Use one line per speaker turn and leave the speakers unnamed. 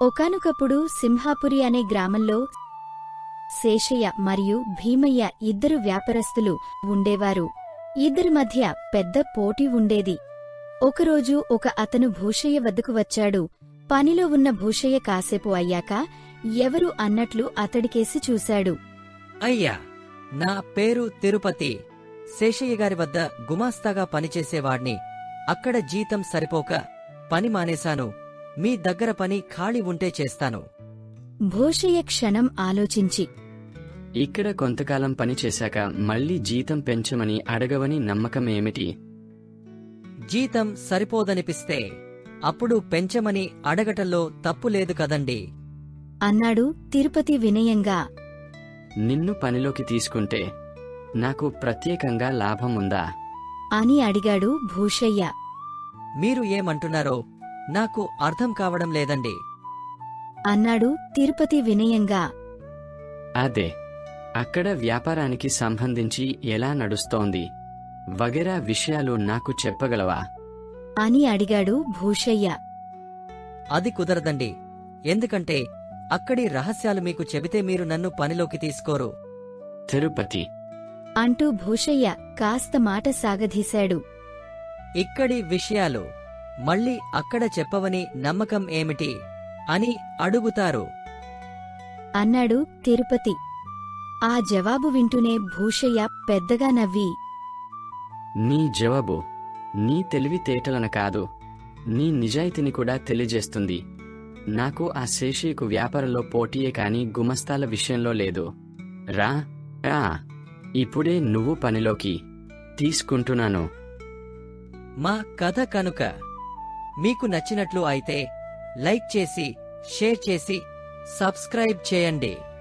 ఒకానొకప్పుడు సింహాపురి అనే గ్రామంలో శేషయ్య మరియు భీమయ్య ఇద్దరు వ్యాపారస్తులు ఉండేవారు. ఇద్దరి మధ్య పెద్ద పోటీ ఉండేది. ఒకరోజు అతను భూషయ్య వద్దకు వచ్చాడు. పనిలో ఉన్న భూషయ్య కాసేపు అయ్యాక ఎవరు అన్నట్లు అతడికేసి చూశాడు.
అయ్యా, నా పేరు తిరుపతి. శేషయ్య గారి వద్ద గుమాస్తాగా పనిచేసేవాణ్ణి. అక్కడ జీతం సరిపోక పని మానేశాను. మీ దగ్గర పని ఖాళీ ఉంటే చేస్తాను.
భూషయ్య క్షణం ఆలోచించి,
ఇక్కడ కొంతకాలం పనిచేశాక మళ్ళీ జీతం పెంచమని అడగవని నమ్మకం ఏమిటి?
జీతం సరిపోదనిపిస్తే అప్పుడు పెంచమని అడగటంలో తప్పులేదు కదండి
అన్నాడు తిరుపతి వినయంగా.
నిన్ను పనిలోకి తీసుకుంటే నాకు ప్రత్యేకంగా లాభం ఉందా
అని అడిగాడు భూషయ్య.
మీరు ఏమంటున్నారో నాకు అర్థం కావడం లేదండి
అన్నాడు తిరుపతి వినయంగా.
అదే, అక్కడ వ్యాపారానికి సంబంధించి ఎలా నడుస్తోంది వగైరా విషయాలు నాకు చెప్పగలవా
అని అడిగాడు భూషయ్య.
అది కుదరదండి. ఎందుకంటే అక్కడి రహస్యాలు మీకు చెబితే మీరు నన్ను పనిలోకి తీసుకోరు.
తిరుపతి
అంటూ భూషయ్య కాస్త మాట సాగదీశాడు.
ఇక్కడి విషయాలు మళ్ళీ అక్కడ చెప్పవని నమ్మకం ఏమిటి అని అడుగుతారు
అన్నాడు తిరుపతి. ఆ జవాబు వింటూనే భూషయ్య పెద్దగా నవ్వి,
నీ జవాబు నీ తెలివితేటలను కాదు, నీ నిజాయితీని కూడా తెలియజేస్తుంది. నాకు ఆ శేషయ్యకు వ్యాపారంలో పోటీయే కాని గుమస్తాల విషయంలో లేదు. రా రా, ఇప్పుడే నువ్వు పనిలోకి తీసుకుంటున్నాను.
మా కథ కనుక మీకు నచ్చినట్లు అయితే లైక్ చేసి, షేర్ చేసి, సబ్స్క్రైబ్ చేయండి.